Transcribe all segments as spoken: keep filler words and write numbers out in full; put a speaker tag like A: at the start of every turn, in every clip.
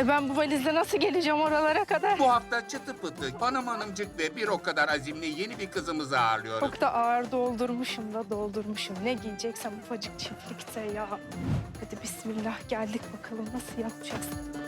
A: E ben bu valizle nasıl geleceğim oralara kadar?
B: Bu hafta çıtı pıtı, Hanım Hanımcık ve bir o kadar azimli yeni bir kızımızı ağırlıyoruz.
A: Çok da ağır doldurmuşum da doldurmuşum. Ne giyeceksem ufacık çiftlikte ya. Hadi bismillah, geldik bakalım nasıl yapacağız?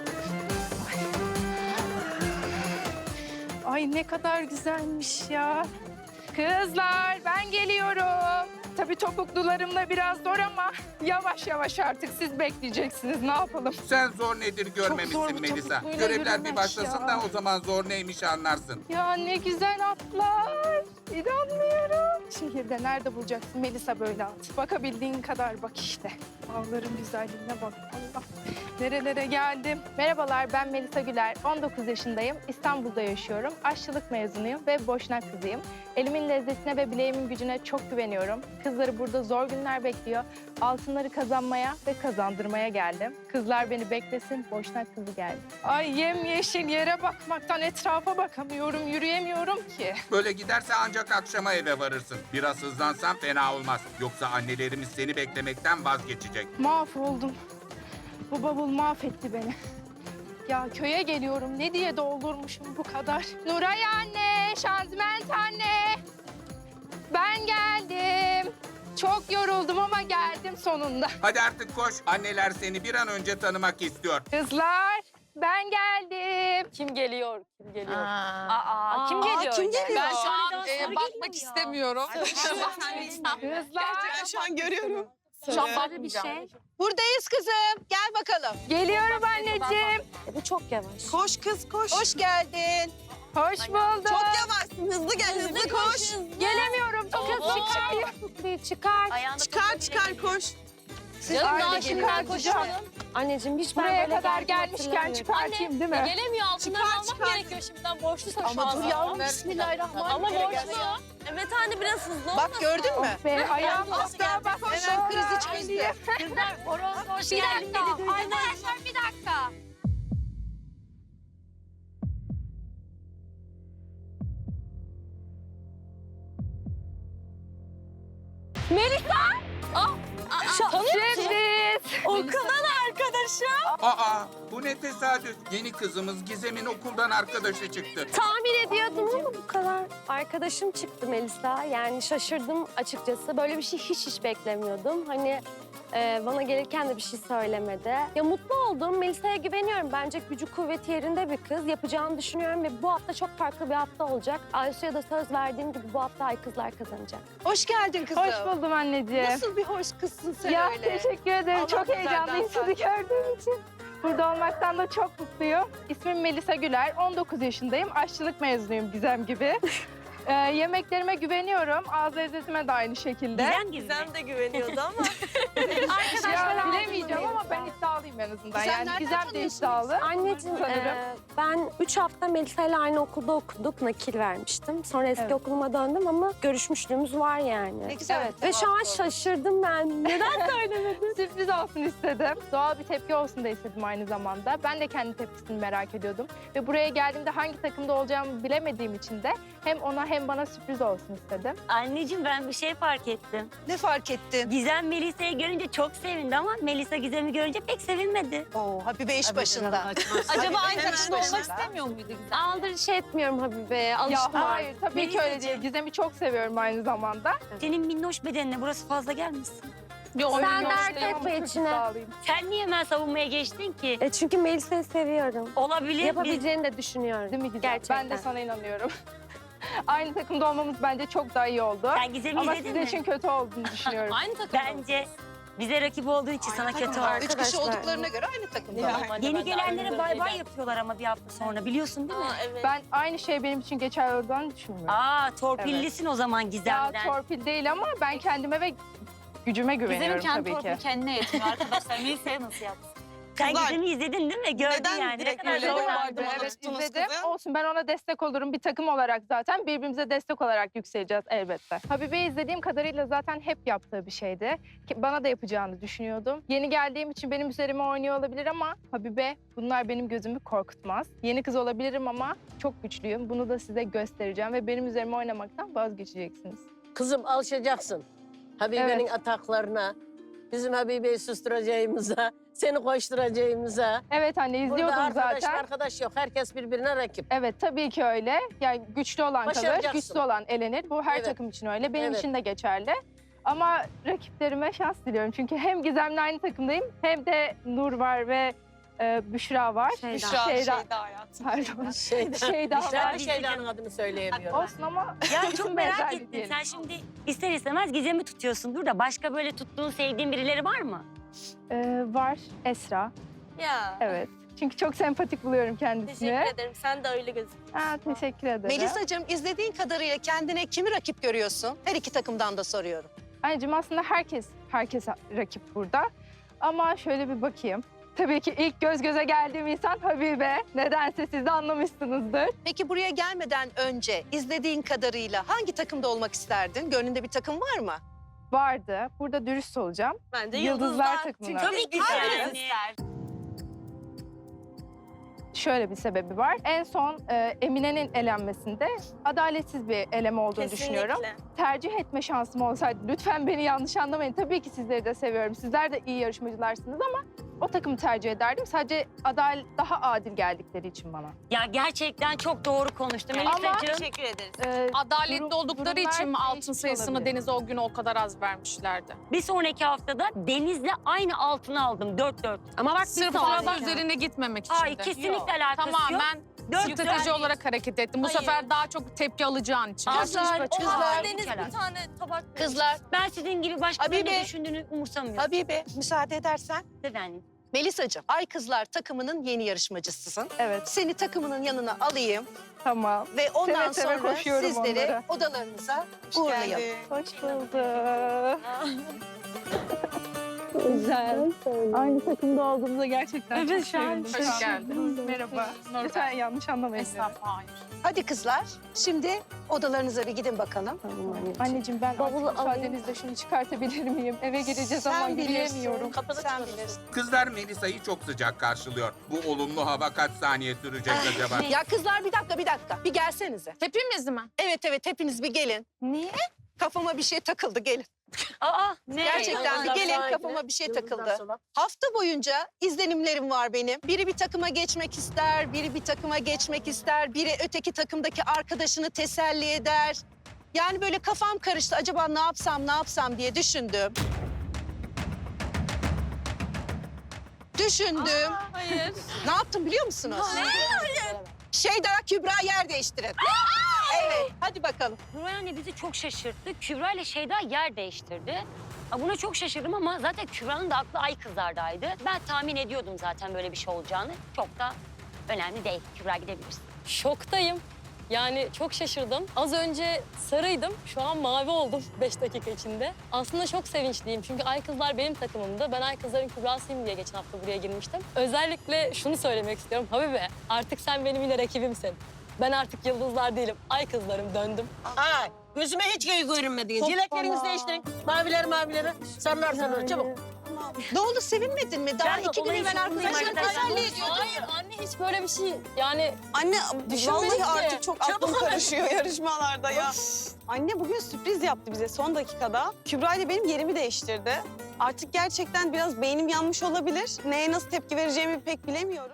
A: Ay. Ay ne kadar güzelmiş ya. Kızlar ben geliyorum. Tabii topuklularımla biraz zor ama yavaş yavaş artık siz bekleyeceksiniz. Ne yapalım?
B: Sen zor nedir
A: zor
B: görmemişsin
A: bu
B: Melisa.
A: topukluyla
B: Görevler bir
A: yürümek
B: başlasın
A: ya.
B: da o zaman zor neymiş anlarsın.
A: Ya ne güzel atlar. İnanmıyorum. Şehirde nerede bulacaksın Melisa böyle at? Bakabildiğin kadar bak işte. Dağların güzelliğine bak. Allah. Nerelere geldim. Merhabalar, ben Melisa Güler. on dokuz yaşındayım. İstanbul'da yaşıyorum. Aşçılık mezunuyum ve boşnak kızıyım. Elimin lezzetine ve bileğimin gücüne çok güveniyorum. Kızları burada zor günler bekliyor. Altınları kazanmaya ve kazandırmaya geldim. Kızlar beni beklesin, boşnak kızı geldi. Ay yemyeşil yere bakmaktan etrafa bakamıyorum, yürüyemiyorum ki.
B: Böyle giderse ancak akşama eve varırsın. Biraz hızlansan fena olmaz. Yoksa annelerimiz seni beklemekten vazgeçecek.
A: Mahvoldum. Bu bavul mahvetti beni. Ya köye geliyorum. Ne diye doldurmuşum bu kadar? Nuray anne, Şanziment anne. Ben geldim. Çok yoruldum ama geldim sonunda.
B: Hadi artık koş. Anneler seni bir an önce tanımak istiyor.
A: Kızlar, ben geldim.
C: Kim geliyor? Kim geliyor?
D: Aa,
C: Aa, kim geliyor?
D: kim geliyor?
C: Ben şu an
D: Ben,
C: e,
D: e,
C: bakmak istemiyorum.
A: Kızlar,
D: şu an görüyorum.
C: Şu an bakmayacağım.
D: Buradayız kızım. Gel bakalım.
A: geliyorum anneciğim.
C: E, bu çok yavaş.
D: Koş kız koş. Hoş geldin.
A: Hoş bulduk.
D: Çok yavaşsın. Hızlı gel hızlı, koş.
A: Gelemiyorum. Çok hızlı çıkıyor.
C: Çıkar.
D: Çıkar çıkar koş.
C: Canım
A: Ay,
C: daha
A: ne
C: şimdiden
A: çıkartacağım.
C: koşalım. Anneciğim hiç ben
A: Buraya
C: böyle
A: kadar
C: geldim
A: gelmişken
C: hatırlamıyorum.
A: çıkartayım değil mi?
C: Gelemiyor altından
D: Çıkar,
C: almak
D: çıkar.
C: gerekiyor şimdiden borçluysa şu
D: Ama
C: an.
D: dur yavrum, bismillahirrahmanirrahim.
C: Ama borçlu. Evet anne biraz hızlı olmasın.
D: Bak gördün mü?
A: Be, ayağım
D: Az
A: toprağa
D: geldi,
A: bastı.
D: koş. Hemen krizi çözdü.
C: Kızlar horoz hoş
A: Bir
C: geldin
A: dakika.
C: dedi duydunuz.
A: Arkadaşlar bir dakika. Sürpriz.
C: Okuldan arkadaşım.
B: Aa, bu ne tesadüf. Yeni kızımız Gizem'in okuldan arkadaşı çıktı.
C: Tahmin ediyordum ama bu kadar. Arkadaşım çıktı Melisa. Yani şaşırdım açıkçası. Böyle bir şey hiç hiç beklemiyordum. Hani e, bana gelirken de bir şey söylemedi. Ya mutlu oldum. Melisa'ya güveniyorum. Bence gücü kuvveti yerinde bir kız. Yapacağını düşünüyorum ve bu hafta çok farklı bir hafta olacak. Aysu'ya da söz verdiğim gibi bu hafta Ay kızlar kazanacak.
D: Hoş geldin kızım.
A: Hoş buldum anneciğim.
D: Nasıl bir hoş kızsın sen
A: Ya
D: öyle.
A: teşekkür ederim.
D: Allah
A: çok
D: güzelden
A: heyecanlıyım sizi
D: sarsın.
A: gördüğüm için. Burada olmaktan da çok mutluyum. İsmim Melisa Güler. on dokuz yaşındayım. Aşçılık mezunuyum Gizem gibi. Ee, yemeklerime güveniyorum. Ağız lezzetime de aynı şekilde.
C: Gizem gibi.
D: Gizem de güveniyordu ama.
A: Ya, bilemeyeceğim ama ben iddialıyım en azından.
D: Gizem
A: Yani
D: nereden
A: Gizem de
D: tanıyorsunuz?
A: iddialı.
C: Anneciğim
A: Sanırım.
C: e, ben üç hafta Melisa ile aynı okulda okuduk. Nakil vermiştim. Sonra eski
A: Evet.
C: okuluma döndüm ama görüşmüşlüğümüz var yani.
D: Ne güzel.
A: Evet.
C: Ve şu an şaşırdım ben. Neden söylemedin?
A: Sürpriz olsun istedim. Doğal bir tepki olsun da istedim aynı zamanda. Ben de kendi tepkisini merak ediyordum. Ve buraya geldiğimde hangi takımda olacağımı bilemediğim için de hem ona hem bana sürpriz olsun istedim.
E: Anneciğim ben bir şey fark ettim.
D: Ne fark ettin?
E: Gizem Melisa'yı görünce çok sevindi ama Melisa Gizem'i görünce pek sevinmedi.
D: Oo, Habibe iş başında.
C: Acaba
D: Hadi
C: aynı
D: hemen
C: takımda olmak
D: başla.
C: istemiyor muydu Gizem? Aldırış etmiyorum Habibe'ye. Alıştım
A: Ya
C: artık.
A: hayır tabii ki öyle değil. Gizem'i çok seviyorum aynı zamanda.
E: Senin minnoş bedenine burası fazla gelmişsin.
A: Yok,
C: Sen dert etme içine.
E: Sen niye hemen savunmaya geçtin ki?
C: E çünkü Melisa'yı seviyorum.
E: Olabilir. Biz...
C: Yapabileceğini de düşünüyorum.
A: Değil mi Gizem?
C: Gerçekten.
A: Ben de sana inanıyorum. Aynı takımda olmamız bence çok daha iyi oldu.
E: Sen Gizem'i
A: Ama
E: izledin
A: sizin
E: mi?
A: için kötü olduğunu düşünüyorum.
C: Aynı takım.
E: Bence bize rakip olduğu için sana kötü oldu.
D: Üç kişi
C: Arkadaşlar.
D: olduklarına göre aynı takımda.
E: Yeni gelenlere bay bay yapıyorlar ama bir hafta sonra biliyorsun değil mi?
A: Ben aynı şey benim için geçerli olduğunu düşünmüyorum.
E: Aa torpillisin o zaman
A: Ya
E: Gizem'den.
A: torpil değil ama ben kendime ve gücüme güveniyorum tabii ki.
F: kendine yetmiyor arkadaşlar. Melisa'ya nasıl yapsın?
E: Sen
D: Kızlar,
E: Gizem'i izledin değil mi? Gördün
D: neden
E: yani. Ne
D: direkt
E: kadar
D: böyle
E: zor
D: yapardın?
E: vardı.
D: Bana
A: Evet
D: tuttunuz
A: izledim.
D: kızı.
A: Olsun ben ona destek olurum. Bir takım olarak zaten birbirimize destek olarak yükseleceğiz elbette. Habibe'yi izlediğim kadarıyla zaten hep yaptığı bir şeydi. Ki bana da yapacağını düşünüyordum. Yeni geldiğim için benim üzerime oynuyor olabilir ama Habibe bunlar benim gözümü korkutmaz. Yeni kız olabilirim ama çok güçlüyüm. Bunu da size göstereceğim ve benim üzerime oynamaktan vazgeçeceksiniz.
G: Kızım alışacaksın. Habibe'nin
A: Evet.
G: ataklarına. Bizim Habibe'yi susturacağımıza, seni koşturacağımıza.
A: Evet anne
G: Burada
A: izliyordum
G: arkadaş
A: zaten.
G: arkadaş yok. Herkes birbirine rakip.
A: Evet tabii ki öyle. Yani güçlü olan kalır,
G: Başaracaksın.
A: güçlü olan elenir. Bu her
G: Evet.
A: takım için öyle. Benim
G: Evet.
A: için de geçerli. Ama rakiplerime şans diliyorum. Çünkü hem Gizem'le aynı takımdayım hem de Nur var ve e, Büşra var.
C: Şeyda.
A: Şeyda.
D: Şeyda hayatım.
A: Pardon.
G: Şeyden,
A: Şeyda
G: Ben
A: var.
G: bir Şeyda'nın adını söyleyemiyorum.
A: Olsun ama
E: Ya çok
A: isim
E: merak
A: benzerliği
E: ettim.
A: diyelim.
E: Sen şimdi ister istemez Gizem'i tutuyorsundur da başka böyle tuttuğun, sevdiğin birileri var mı?
A: E, var Esra.
C: Ya.
A: Evet. Çünkü çok sempatik buluyorum kendisini.
C: Teşekkür ederim. Sen de öyle gözüküyorsun.
A: Ha, teşekkür ederim.
D: Melisa'cığım izlediğin kadarıyla kendine kimi rakip görüyorsun? Her iki takımdan da soruyorum.
A: Anneciğim aslında herkes herkes rakip burada. Ama şöyle bir bakayım. Tabii ki ilk göz göze geldiğim insan Habibe. Nedense siz de anlamışsınızdır.
D: Peki buraya gelmeden önce izlediğin kadarıyla hangi takımda olmak isterdin? Gönlünde bir takım var mı?
A: Vardı. Burada dürüst olacağım.
C: Ben de
A: Yıldızlar takımına.
E: Tabii ki
C: Hanginiz
E: yani.
A: Şöyle bir sebebi var. En son e, Emine'nin elenmesinde adaletsiz bir eleme olduğunu düşünüyorum. Tercih etme şansım olsaydı lütfen beni yanlış anlamayın. Tabii ki sizleri de seviyorum. Sizler de iyi yarışmacılarsınız ama o takımı tercih ederdim. Sadece adal daha adil geldikleri için bana.
E: Ya gerçekten çok doğru konuştun
A: Ama-
E: Melisa'cığım.
C: Teşekkür ederiz.
A: E,
H: Adaletli
A: durum-
H: oldukları
A: durumlar
H: için mi altın
A: değişmiş
H: sayısını
A: olabilir.
H: Deniz'e o gün o kadar az vermişlerdi?
E: Bir sonraki haftada Deniz'le aynı altını aldım. Dört dört. Ama bak
H: Sırf
E: bir
H: fazla
E: sonraki-
H: üzerine gitmemek için
E: Ay
H: de.
E: kesinlikle alakası yok.
H: Tamamen
E: Dört
H: strateji
E: dört.
H: olarak hareket ettim. Bu
E: Hayır.
H: sefer daha çok tepki alacağın için.
E: Kızlar,
D: kızlar.
C: Deniz bir tane tabak.
D: Kızlar,
E: Ben sizin gibi başkalarının
D: Habibe.
E: ne düşündüğünü umursamıyorum.
D: Habibe müsaade edersen.
E: Efendim.
D: Melisa'cığım, Ay Kızlar takımının yeni yarışmacısısın.
A: evet,
D: Seni takımının yanına alayım
A: tamam.
D: ve ondan
A: Seve seve
D: sonra
A: koşuyorum
D: sizleri
A: onlara.
D: odalarınıza uğurlayalım.
A: Hoş bulduk. Güzel. Aynı takımda olduğumuza gerçekten
H: Evet,
A: çok sevindim.
H: hoş geldiniz.
A: Merhaba.
H: Nurten.
A: Lütfen yanlış anlamayın.
H: Estağfurullah, hayır.
D: Hadi kızlar, şimdi odalarınıza bir gidin bakalım.
A: Anneciğim ben
C: Bavulu
A: artık müsaadenizle şunu çıkartabilir miyim? Eve gireceğiz ama
D: Sen bilirsin.
A: yürüyemiyorum.
D: Sen bilirsin.
B: Kızlar Melisa'yı çok sıcak karşılıyor. Bu olumlu hava kaç saniye sürecek acaba?
D: Ya kızlar bir dakika, bir dakika. Bir gelsenize.
H: Hepimiz mi?
D: Evet evet, hepiniz bir gelin.
A: Niye?
D: Kafama bir şey takıldı, gelin.
E: Aa ne?
D: Gerçekten bir gelin, kafama bir şey takıldı. Hafta boyunca izlenimlerim var benim. Biri bir takıma geçmek ister, biri bir takıma geçmek ister, biri öteki takımdaki arkadaşını teselli eder. Yani böyle kafam karıştı. Acaba ne yapsam, ne yapsam diye düşündüm. Düşündüm.
C: Hayır.
D: Ne yaptım biliyor musunuz? Şeyda, Kübra yer değiştirin. Evet, hadi bakalım.
E: Nuray anne bizi çok şaşırttı. Kübra ile Şeyda yer değiştirdi. Aa, buna çok şaşırdım ama zaten Kübra'nın da aklı Ay Kızlar'daydı. Ben tahmin ediyordum zaten böyle bir şey olacağını. Çok da önemli değil. Kübra gidebilirsin.
I: Şoktayım. Yani çok şaşırdım. Az önce sarıydım, şu an mavi oldum beş dakika içinde. Aslında çok sevinçliyim çünkü Ay Kızlar benim takımımda. Ben Ay Kızlar'ın Kübra'sıyım diye geçen hafta buraya girmiştim. Özellikle şunu söylemek istiyorum. Habibe, artık sen benim yine rakibimsin. Ben artık Yıldızlar değilim, Ay Kızlarım, döndüm.
G: Ha, gözüme hiç göy görünmedi. Dileklerinizi değiştirin. Mavileri mavileri. Sarılar sarılar çabuk.
D: Ne oldu, sevinmedin mi? Daha
E: Ben de
D: iki gün
E: olayın
D: evvel
E: şokundayım
D: arkadaşlar
E: arkadaşlar.
D: teselli ediyordun.
I: Hayır anne hiç böyle bir şey yani
J: Anne
I: Düşünmedik
J: vallahi
I: ki.
J: artık çok aklım karışıyor yarışmalarda ya. Anne bugün sürpriz yaptı bize son dakikada. Kübra ile benim yerimi değiştirdi. Artık gerçekten biraz beynim yanmış olabilir. Neye nasıl tepki vereceğimi pek bilemiyorum.